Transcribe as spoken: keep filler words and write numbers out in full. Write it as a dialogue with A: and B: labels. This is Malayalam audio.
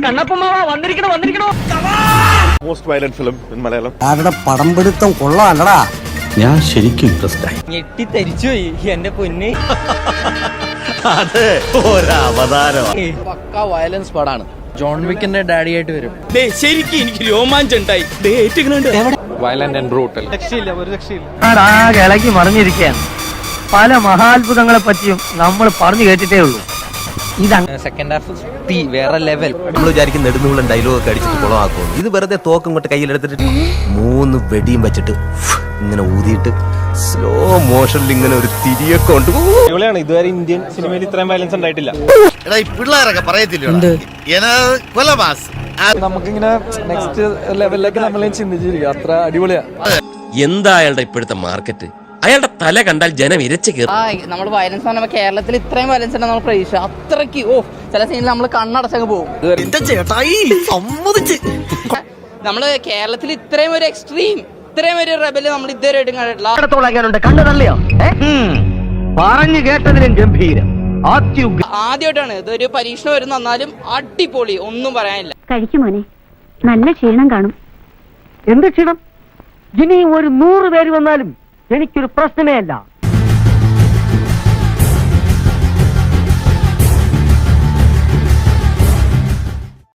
A: കണ്ണപ്പമാവാ വന്നിരിക്കണോ വന്നിരിക്കണോ.
B: Most violent film in Malayalam.
C: അവരുടെ പടം പിടുത്തം കൊള്ളാല്ലടാ.
D: ഞാൻ ശരിക്കും ഇൻട്രസ്റ്റ് ആയി.
A: ഞെട്ടി തരിച്ചുപോയി എന്റെ പൊന്ന്.
D: അതെ, ഒരവതാരമാണ്.
E: പക്കാ വയലൻസ് പടാണ്. ജോൺ വിക്കിന്റെ ഡാഡി ആയിട്ട് വരും.
A: ശരിക്കും എനിക്ക് രോമാഞ്ചം ഉണ്ടായി.
E: Violent and brutal.
A: ഇളകി മറിഞ്ഞിരിക്കുകയാണ്. പല മഹാത്ഭുതങ്ങളെ പറ്റിയും നമ്മൾ പറഞ്ഞു കേട്ടിട്ടേ ഉള്ളൂ. ഇതാണ്
E: സെക്കൻഡ് ഹാഫ് തീ വേറെ ലെവൽ.
D: നമ്മൾ വിചാരിക്കും നെടുന്നൂളം ഡയലോഗ് ഒക്കെ അടിച്ചിട്ട് കുളമാക്കും. ഇത് വെറുതെ തോക്കും കൊണ്ട് കയ്യിലെടുത്തിട്ട് മൂന്ന് വെടിയും വെച്ചിട്ട് ഇങ്ങനെ ഊതിയിട്ട് സ്ലോ മോഷനിൽ ഇങ്ങനെ ഒരു തിരിയൊക്കെ ഉണ്ട്.
B: ഇതുവരെ ഇന്ത്യൻ സിനിമയിൽ ഇത്രയും വയലൻസ് ഉണ്ടായിട്ടില്ല.
D: പിള്ളേരൊക്കെ പറയത്തില്ല.
E: നമുക്കിങ്ങനെ നെക്സ്റ്റ് ലെവലിലേക്ക് നമ്മളെ ചിന്തിച്ചിരിക്കും. അത്ര അടിപൊളിയാ.
F: എന്താ അയാളുടെ ഇപ്പോഴത്തെ മാർക്കറ്റ്? അയാളുടെ തല കണ്ടാൽ ജനം ഇരച്ചു കയറും.
G: നമ്മൾ വയലൻസ് പറഞ്ഞാൽ കേരളത്തിൽ ഇത്രയും വയലൻസ് ഉണ്ട് നമ്മൾ പ്രതീക്ഷ. അത്രയ്ക്ക് ഓ ചില സീനിൽ നമ്മൾ കണ്ണടച്ചങ്ങ് പോകും. നമ്മള് കേരളത്തിൽ ഇത്രയും ഒരു എക്സ്ട്രീം ഇത്രയും ഒരു റെബല് നമ്മൾ ഇതുവരെ കണ്ടിട്ടില്ല.
A: കണ്ണു തള്ളിയോ? പറഞ്ഞു കേട്ടതിലും ഗംഭീരം.
G: ആദ്യമായിട്ടാണ് ഇതൊരു പരീക്ഷണം വരുന്ന. എന്നാലും അടിപൊളി, ഒന്നും പറയാനില്ല.
H: കഴിക്കുമോനെ, നല്ല ക്ഷീണം കാണും.
A: എന്ത് ക്ഷീണം? ഇനിയും ഒരു നൂറ് പേര് വന്നാലും എനിക്കൊരു പ്രശ്നമേ അല്ല.